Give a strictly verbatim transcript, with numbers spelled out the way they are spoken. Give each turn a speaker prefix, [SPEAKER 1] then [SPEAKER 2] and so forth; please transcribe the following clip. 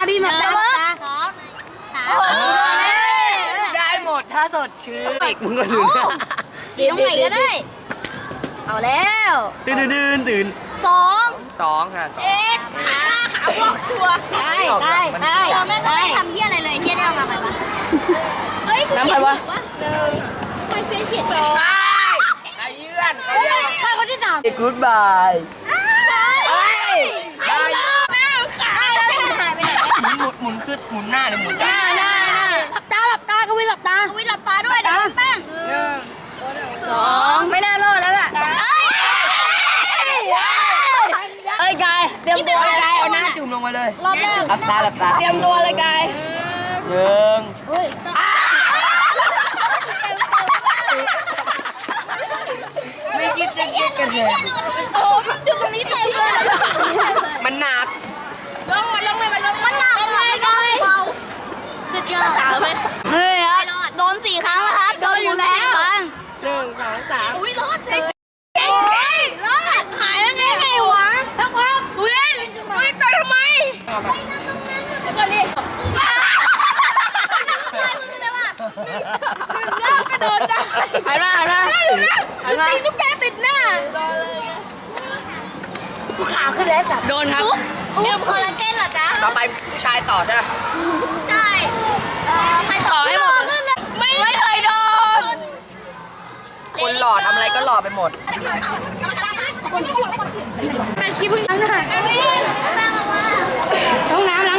[SPEAKER 1] บีมตาสองสาม
[SPEAKER 2] ได้หมดถ้าสดชื่นอีกมึงก็ลืม
[SPEAKER 1] ดีตรงไหนก็ได้เอาแล้ว
[SPEAKER 2] ตื่นตื่นตื่น
[SPEAKER 1] สอง
[SPEAKER 2] สองค่ะสอง
[SPEAKER 1] เอ็ดขาขาบวกชัวได้ได้ได้เราแม่ก็ไม่ทำเฮี้ยอะไรเลยเฮี้ยได้เอามาไหมวะเฮ้ยกูเขียนถูกวะหนึ่งไม่เฟี้ยเขียนสอง
[SPEAKER 2] ไอ้เยื่อน
[SPEAKER 1] ใครคนที่สาม
[SPEAKER 2] กู๊ดบายได้
[SPEAKER 1] ไม่เอาขาแล้วหายไปไหน
[SPEAKER 2] หมุนหมุนขึ้นหมุนหน้าหรือหมุน
[SPEAKER 1] หน้าหน้าหลับตาหลับตากวินหลับตากวินหลับตาด้วยเดี๋ยวแป้งสองไม่น่ารอดแล้วล่ะเอ้ยกายเตรียมตัวเลย
[SPEAKER 2] เอาหน้าจุ่มลงมาเลย
[SPEAKER 1] รอบแรก
[SPEAKER 2] หลับตาหลับตา
[SPEAKER 1] เตรียมตัวเลยกาย
[SPEAKER 2] หนึ่งไม่คิดจะเก็บกันเลย
[SPEAKER 1] โอ้อยู่ตรงนี้เต็มเลย
[SPEAKER 2] มันหนัก
[SPEAKER 1] ลงมาลงมาลงมันหนักเลยกายสุดยอดเฮ้ยโดนสี่ครั้งแล้วครับโดนอยู่แล้วหนึ่งสองสามอุ้ยรอดเฉยเก่งรอดหายแล้วไงไงวะพักพักเว้ยเว้ยไปทำไมก็เรียกกระโดดได้หันมาหันมาหันมาตีตุ๊กแกติดหน้ากูขาวขึ้นแล้วจ้ะโดนครับดื่มคอลลาเจนเหรอจ๊ะ
[SPEAKER 2] ต่อไปผู้ชายต่อใช่ไหม
[SPEAKER 1] ใช่ใครต่อให้หมดไม่ไม่เคยโดน
[SPEAKER 2] คนหล่อทำอะไรก็หล่อไปหมด
[SPEAKER 1] ขี้พึ่งน้ำหน่อยห้องน้ำ